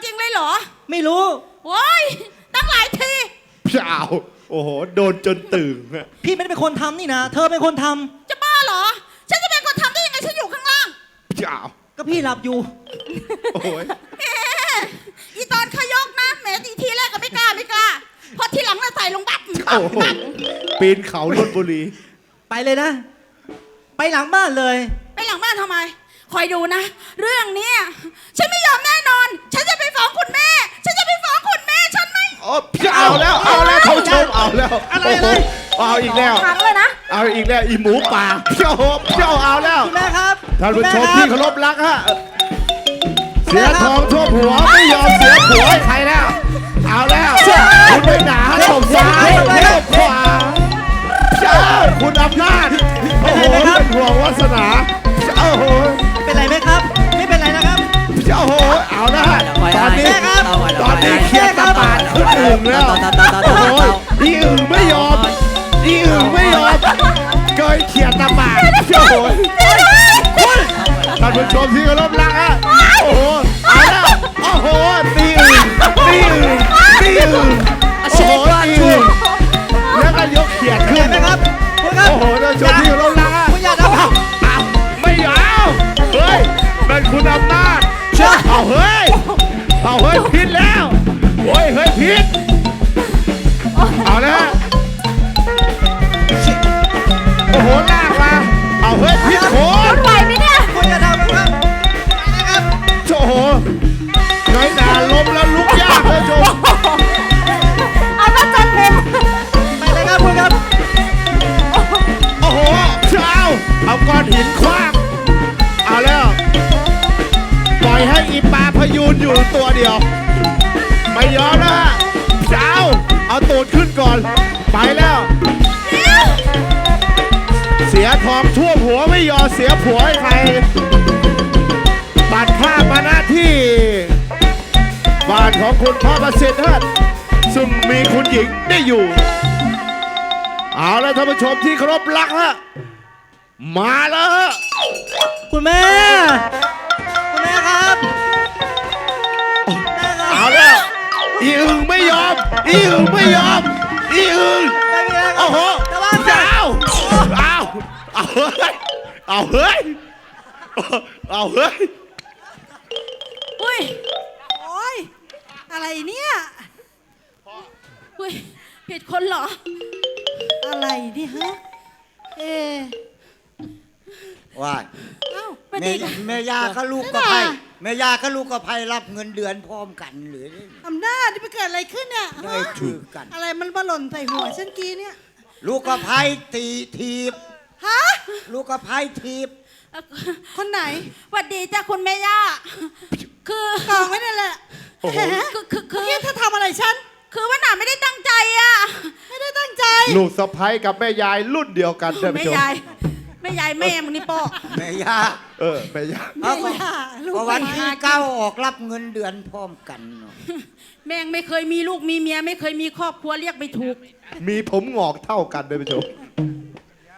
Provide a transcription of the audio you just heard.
ริงๆเลยเหรอไม่รู้โอ้ยตั้งหลายทีเปล่าโอ้โหโดนจนตื่นพี่ไม่ได้เป็นคนทำนี่นะเธอเป็นคนทำจะบ้าเหรอฉันจะเป็นคนทำได้ยังไงฉันอยู่ข้างล่างเปล่าก็พี่หลับอยู่โอ้ยอีตอนขยกนะแหมทีแรกก็ไม่กล้าพอทีหลังเราใส่ลงบับปีนเขาลพบุรีไปเลยนะไปหลังบ้านเลยไปหลังบ้านทำไมคอยดูนะเรื่องนี้ฉันไม่ยอมแน่นอนฉันจะไปฟ้องคุณแม่ฉันจะไปฟ้องคุณแม่ฉันไม่เอาแล้วท่านผู้ชมเอาแล้วอะไรเอาอีกแล้วครั้งเลยนะเอาอีกแล้วอีหมูป่าเจ้าเอาแล้วคุณแม่ครับท่านผู้ชมที่เคารพรักฮะเสียทองทั่วหัวไม่ยอมเสียผัวให้ใครแล้วเอาแล้วคุณไม่หนาตบซ้ายตบขวาเจ้าคุณอำนาจโอ้โหเป็นห่วงวาสนาโอ้โหเป็นไรไหมครับไม่เป็นไรนะครับโอ้โหเอาละตอนนี้เคลียร์ตะปาดขึ้นอึ่งแล้วโอ้โหอีอึ่งไม่ยอมเกยเคลียร์ตะปาดโอ้โหท่านผู้ชมที่เคารพรักฮะโอ้โหเอาละโอ้โหตีอึ่งโอ้โหตีอึ่งแล้วก็ยกเขียดขึ้นนะครับโอ้โหท่านผู้ชมที่เคารพรักฮะคุณอย่าทำไม่เอาเฮ้ยเป็นคุณอำนาจเอาเฮ้ยผิดแล้วโอ้ยเฮ้ยผิดเอาแล้วโอ้โหลากมาเอาเฮ้ยผิดโขนไหวไหมเนี่ยคุณอย่าทำนะครับโอ้โหน้อยหนาล้มแล้วลุกยากเลยโจเอามาจัดเต็มไปเลยครับคุณครับโอ้โหเอาก้อนหินคว้างเอาแล้วปล่อยให้อีปลาพยูนอยู่ตัวเดียวไม่ยอมนะเอาตูดขึ้นก่อนไปแล้วเสียทองทั่วหัวไม่ยอมเสียผัวให้ใครบัตรภาพมาหน้าที่บ้านของคุณพ่อประสิทธิ์ฮะซึ่งมีคุณหญิงได้อยู่เอาแล้วท่านผู้ชมที่เคารพรักฮะมาแล้วฮะคุณแม่ครับเอาแล้วอีอึ่งไม่ยอมอีอึ่งโอ้โหเอาเฮ้ยอุ้ยโอ้ยอะไรเนี่ยอุ้ยผิดคนเหรออะไรนี่ฮะว่าแม่ยาก็ลูกกับไพ่รับเงินเดือนพร้อมกันหรืออำนาจที่ไปเกิดอะไรขึ้นเนี่ยได้ถือกันอะไรมันมาหล่นใส่หัวฉันกี้เนี่ยลูกกับไพ่ทีบฮะลูกกับไพ่ทีบคนไหนหวัดดีจ้าคุณแม่ย่าคือกองไว้นั่นแหละคือเธอทำอะไรฉันคือว่าหนาไม่ได้ตั้งใจอ่ะไม่ได้ตั้งใจลูกสะใภ้กับแม่ยายรุ่นเดียวกันแม่ยายแม่มึงนี่ป้อแม่ยาแม่ยาเพราะวันที่9ออกรับเงินเดือนพร้อมกันแม่งไม่เคยมีลูกมีเมียไม่เคยมีครอบครัวเรียกไม่ถูกมีผมงอกเท่ากันเลยผู้ชม